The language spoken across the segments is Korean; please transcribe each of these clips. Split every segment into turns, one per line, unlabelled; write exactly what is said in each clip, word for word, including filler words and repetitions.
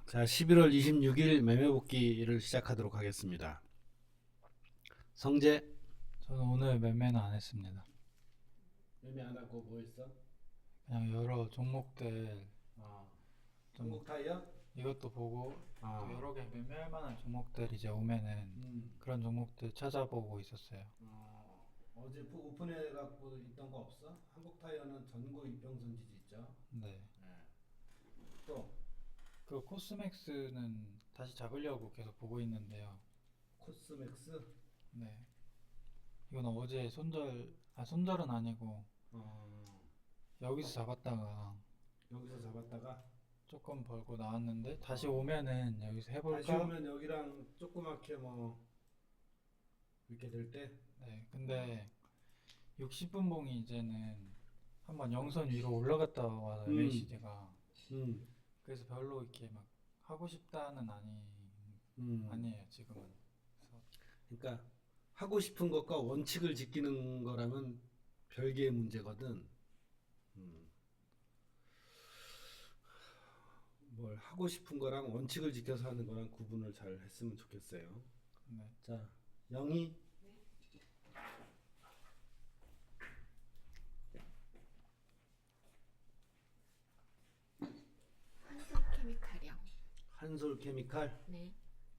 자, 십일월 이십육일 매매복귀를 시작하도록 하겠습니다. 성재,
저는 오늘 매매는 안 했습니다.
매매 안 하고 뭐 했어?
그냥 여러 종목들
아,
좀
한국 타이어?
이것도 보고
아,
또 여러 개 매매할 만한 종목들 이제 오면은
음,
그런 종목들 찾아보고 있었어요.
어, 어제 프- 오픈해 갖고 있던 거 없어? 한국 타이어는 전고 이평선 지지 있죠?
네.
네. 또
그 코스맥스는 다시 잡으려고 계속 보고 있는데요.
코스맥스?
네. 이건 어제 손절, 아 손절은 아니고
어,
여기서 잡았다가
여기서 잡았다가
조금 벌고 나왔는데 다시
어.
오면은 여기서
다시
해볼까?
오면 여기랑 조그맣게 뭐 이렇게 될 때,
네. 근데 육십 분 봉이 이제는 한번 영선 위로 올라갔다 와요.
음.
엠에이시디가.
음,
그래서 별로 이렇게 막 하고 싶다는 아니
음.
아니에요 지금은. 그래서
그러니까 하고 싶은 것과 원칙을 지키는 거라면 별개의 문제거든. 음, 뭘 하고 싶은 거랑 원칙을 지켜서 하는 거랑 구분을 잘 했으면 좋겠어요.
네.
자, 영희,
한솔케미칼이요.
한솔케미칼.
네.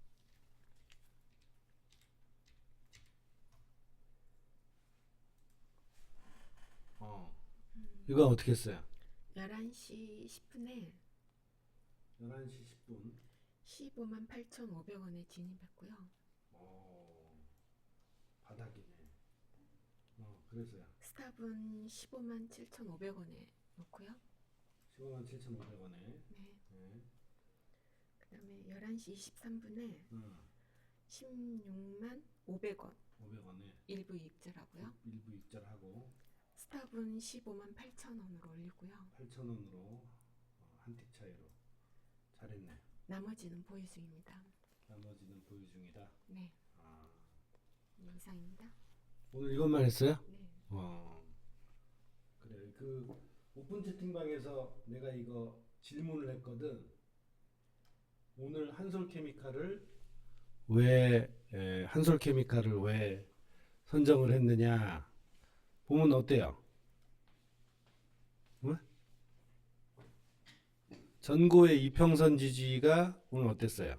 어,
음,
이건 어떻게 했어요?
열한 시 십 분에
열한 시 십 분.
십오만 팔천오백 원에 진입했고요.
어, 바닥이네. 어, 그래서요.
스탑은 십오만 칠천오백 원에 놓고요.
십오만 칠천오백 원에.
네.
네.
그다음에 열한 시 이십삼 분에
어,
십육만 오백 원
오백 원에
일부 입절하고요.
일부 입절하고
스탑은 십오만 팔천 원으로 올리고요.
팔천 원으로 어, 한 틱 차이로 잘했네.
나머지는 보유 중입니다.
나머지는 보유 중이다.
네.
아,
네, 이상입니다.
오늘 이것만 했어요?
네.
어, 그래. 그 오픈 채팅방에서 내가 이거 질문을 했거든. 오늘 한솔케미칼을 왜 에, 한솔케미칼을 왜 선정을 했느냐? 보면 어때요? 어? 전고의 이평선 지지가 오늘 어땠어요?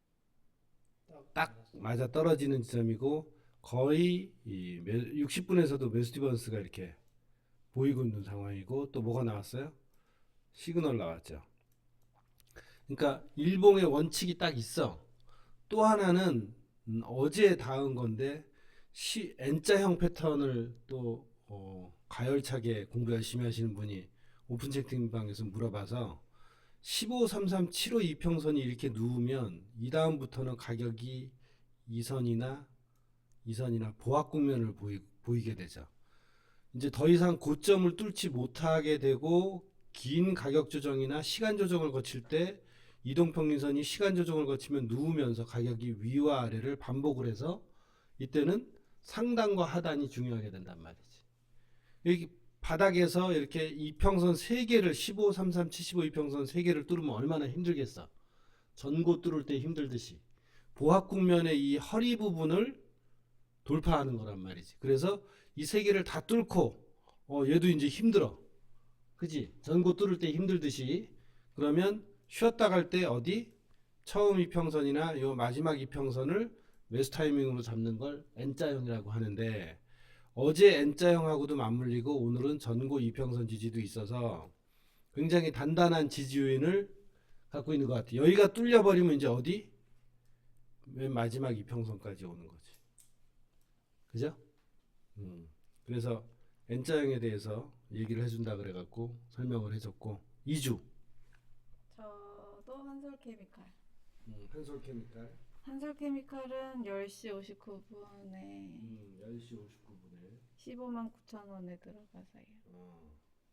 딱 맞아 떨어지는 지점이고 거의 이 육십 분에서도 메스티번스가 이렇게 보이고 있는 상황이고 또 뭐가 나왔어요? 시그널 나왔죠. 그러니까 일봉의 원칙이 딱 있어. 또 하나는 음, 어제 닿은 건데 시, N자형 패턴을 또 어, 가열차게 공부 열심히 하시는 분이 오픈 채팅방에서 물어봐서 십오, 삼삼, 칠오 이평선이 이렇게 누우면 이 다음부터는 가격이 이선이나 이선이나 보합 국면을 보이, 보이게 되죠. 이제 더 이상 고점을 뚫지 못하게 되고 긴 가격 조정이나 시간 조정을 거칠 때 이동평균선이 시간 조정을 거치면 누우면서 가격이 위와 아래를 반복을 해서 이때는 상단과 하단이 중요하게 된단 말이지. 여기 바닥에서 이렇게 이평선 세 개를 십오, 삼삼, 칠십오 이평선 세 개를 뚫으면 얼마나 힘들겠어. 전고 뚫을 때 힘들듯이 보합 국면의 이 허리 부분을 돌파하는 거란 말이지. 그래서 이 세 개를 다 뚫고 어 얘도 이제 힘들어. 그지? 전고 뚫을 때 힘들듯이 그러면 쉬었다 갈 때 어디? 처음 이평선이나 요 마지막 이평선을 매수 타이밍으로 잡는 걸 N자형이라고 하는데 어제 N자형하고도 맞물리고 오늘은 전고 이평선 지지도 있어서 굉장히 단단한 지지 요인을 갖고 있는 것 같아요. 여기가 뚫려버리면 이제 어디? 맨 마지막 이평선까지 오는 거지. 그죠? 음. 그래서 N자형에 대해서 얘기를 해준다 그래갖고 설명을 해줬고 이 주
저도 한솔케미칼.
음, 한솔케미칼
한솔케미칼은 열 시 오십구 분에
음, 열 시 오십구 분에
십오만 구천 원에 들어가서요.
어,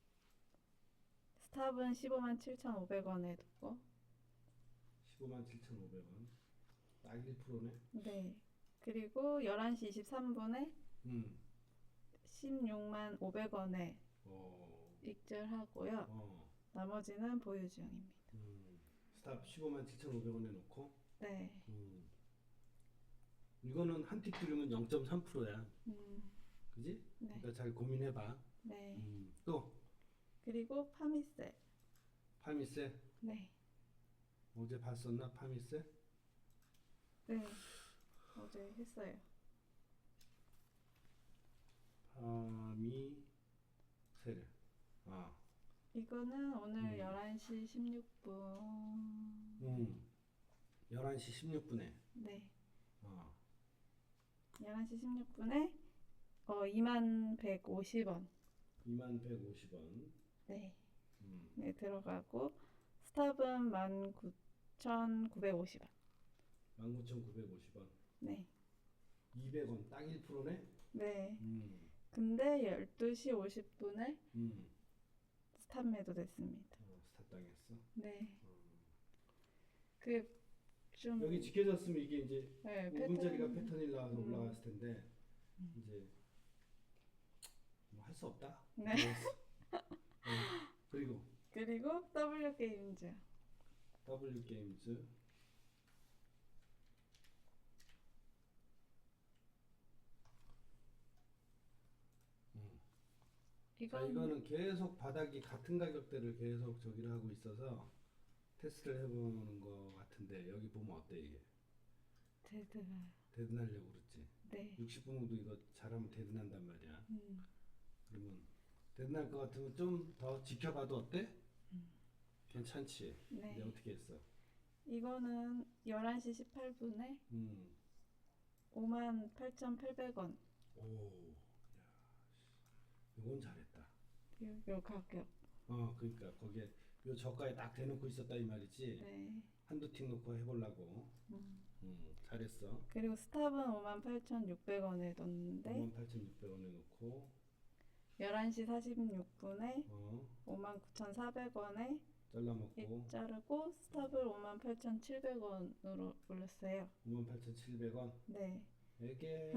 스탑은 십오만 칠천오백 원에 두고.
십오만 칠천오백 원 딱 일 퍼센트네.
네. 그리고 열한 시 이십삼 분에
음.
십육만 오백 원에
어,
익절하고요.
어,
나머지는 보유 중입니다.
음. 스탑 십오만 칠천오백 원에 놓고.
네.
음. 이거는 한 틱 들으면 영 점 삼 퍼센트야.
음,
그지?
네.
그러니까 잘 고민해봐.
네.
음. 또
그리고 파미세.
파미세
네.
어제 봤었나 파미세?
네. 어제 했어요.
파미세를. 아,
이거는 오늘
음.
열한 시 십육 분.
음. 열한 시 십육 분에.
네.
어.
열한 시 십육 분에 어 이만 백오십 원.
이만 백오십 원.
네.
음.
네, 들어가고 스탑은 만 구천구백오십 원.
만 구천구백오십 원.
네.
이백 원 딱 일 퍼센트네.
네.
음.
근데 열두 시 오십 분에
음.
스탑 매도 됐습니다.
어, 스탑 당했어.
네.
음.
그 좀
여기 지켜졌으면 이게 이제
네,
오 분짜리가
패턴.
패턴이 나와서
음.
올라갔을 텐데
음.
이제 뭐 할 수 없다.
네.
그랬어. 어. 그리고
그리고 W 게임즈.
W 게임즈. 음. 자,
이건
이거는 계속 바닥이 같은 가격대를 계속 저기를 하고 있어서 테스트를 해보는 거 같은데 여기 보면 어때 이게?
데드가.
데드하려고 그랬지.
네.
육십 분도 이거 잘하면 데드난단 말이야.
음.
그러면 데드날 것 같으면 좀 더 지켜봐도 어때?
음.
괜찮지?
네.
이제 어떻게 했어?
이거는 열한 시 십팔 분에
음.
오만 팔천팔백 원.
오. 야. 이건 잘했다.
요, 요 가격.
어, 그러니까 거기에 요 저가에 딱 대놓고 있었다 이 말이지.
네.
한두 틱 놓고 해보려고.
음.
음, 잘했어.
그리고 스탑은 오만 팔천육백 원에 넣었는데
오만 팔천육백 원에 놓고
열한 시 사십육 분에
어,
오만 구천사백 원에
잘라먹고
자르고 스탑을 오만 팔천칠백 원으로 올렸어요.
오만 팔천칠백 원.
네.
이게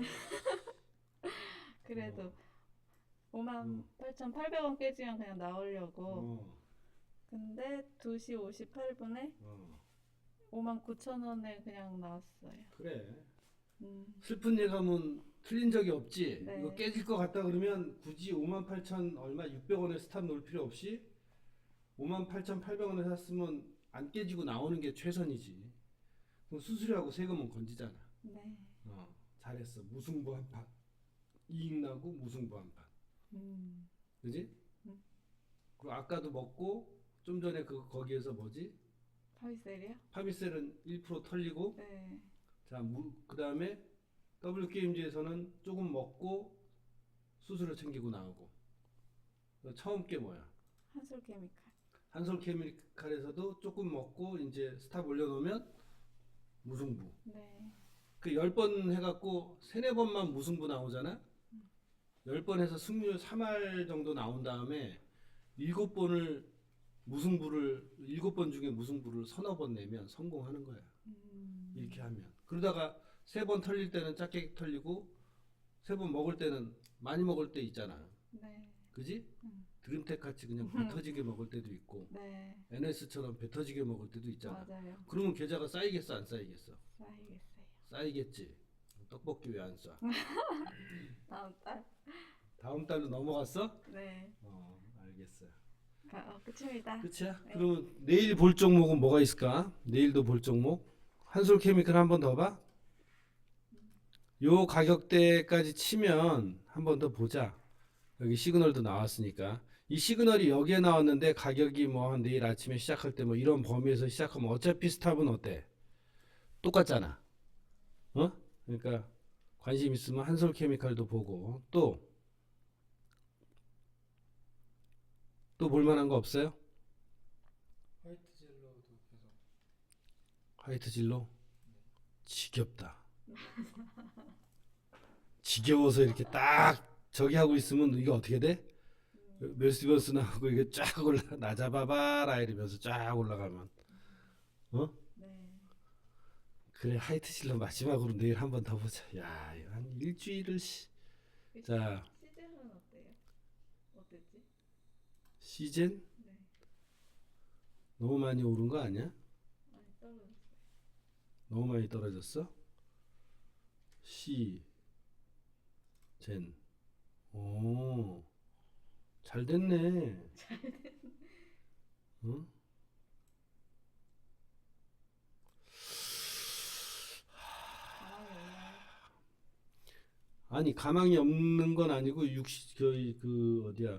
그래도
어.
오만
음.
팔천팔백 원 깨지면 그냥 나오려고.
어,
근데 두 시 오십팔 분에
어,
오만 구천 원에 그냥 나왔어요.
그래.
음.
슬픈 예감은 틀린 적이 없지.
네.
이거 깨질 것 같다 그러면 굳이 오만 팔천 얼마 육백 원에 스탑 놓을 필요 없이 오만 팔천팔백 원에 샀으면 안 깨지고 나오는 게 최선이지. 그럼 수수료하고 세금은 건지잖아.
네.
어, 잘했어. 무승부 한 판. 이익 나고 무승부 한 판.
음.
그지?
음.
그리고 아까도 먹고 좀 전에 그 거기에서 뭐지?
파비셀이요?
파미셀은 일 퍼센트 털리고
네.
자, 그 다음에 W 게임즈에서는 조금 먹고 수수료 챙기고 나오고 처음 게 뭐야?
한솔 케미칼.
한솔 케미칼에서도 조금 먹고 이제 스탑 올려놓으면 무승부.
네.
그 열 번 해갖고 세네 번만 무승부 나오잖아. 열 번 해서 승률 삼 할 정도 나온 다음에 일곱 번을 무승부를 일곱 번 중에 무승부를 서너 번 내면 성공하는 거야.
음.
이렇게 하면. 그러다가 세 번 털릴 때는 작게 털리고 세 번 먹을 때는 많이 먹을 때 있잖아.
네.
그지?
음.
드림텍 같이 그냥 배 터지게 먹을 때도 있고
네.
엔에스처럼 배 터지게 먹을 때도 있잖아.
맞아요.
그러면 계좌가 쌓이겠어 안 쌓이겠어?
쌓이겠어요.
쌓이겠지. 떡볶이 왜 안 싸?
다음 달.
다음 달로 넘어갔어?
네.
어, 알겠어요.
가, 어, 끝입니다.
끝이야?
네.
그러면 내일 볼 종목은 뭐가 있을까? 내일도 볼 종목? 한솔 케미칼 한 번 더 봐. 요 가격대까지 치면 한 번 더 보자. 여기 시그널도 나왔으니까. 이 시그널이 여기에 나왔는데 가격이 뭐 한 내일 아침에 시작할 때 뭐 이런 범위에서 시작하면 어차피 스탑은 어때? 똑같잖아. 어? 그러니까 관심 있으면 한솔 케미칼도 보고 또 또 볼만한 거 없어요?
화이트 젤로도 계속
화이트 진로? 지겹다. 지겨워서 이렇게 딱 저기 하고 있으면 이게 어떻게 돼? 멜시버스 나오고 이게 쫙 올라 나 잡아봐라 이러면서 쫙 올라가면 어?
네.
그래 하이트 진로 마지막으로 내일 한 번 더 보자. 야, 이거 한 일주일을 씨. 자,
시즌은 어때요? 어땠지?
시즌
네.
너무 많이 오른 거 아니야? 너무 많이 떨어졌어? C, 젠. 오, 잘 됐네. 응?
가망이 없나요?
아니 가망이 없는 건 아니고 육십 거의 그 어디야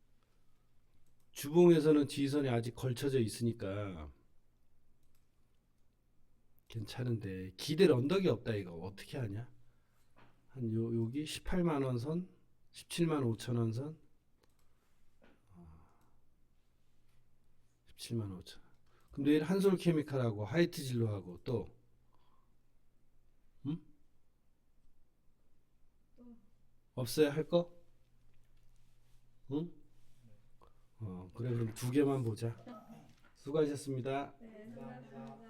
주봉에서는 지지선이 아직 걸쳐져 있으니까 괜찮은데 기댈 언덕이 없다 이거 어떻게 하냐? 한 요 여기 십팔만 원 선, 십칠만 오천 원 선, 십칠만 오천 원. 그럼 내일 한솔 케미칼하고 하이트 진로하고 또 음? 없어요 할 거? 응? 어 그래 그럼 두 개만 보자. 수고하셨습니다.
네, 수고하셨습니다.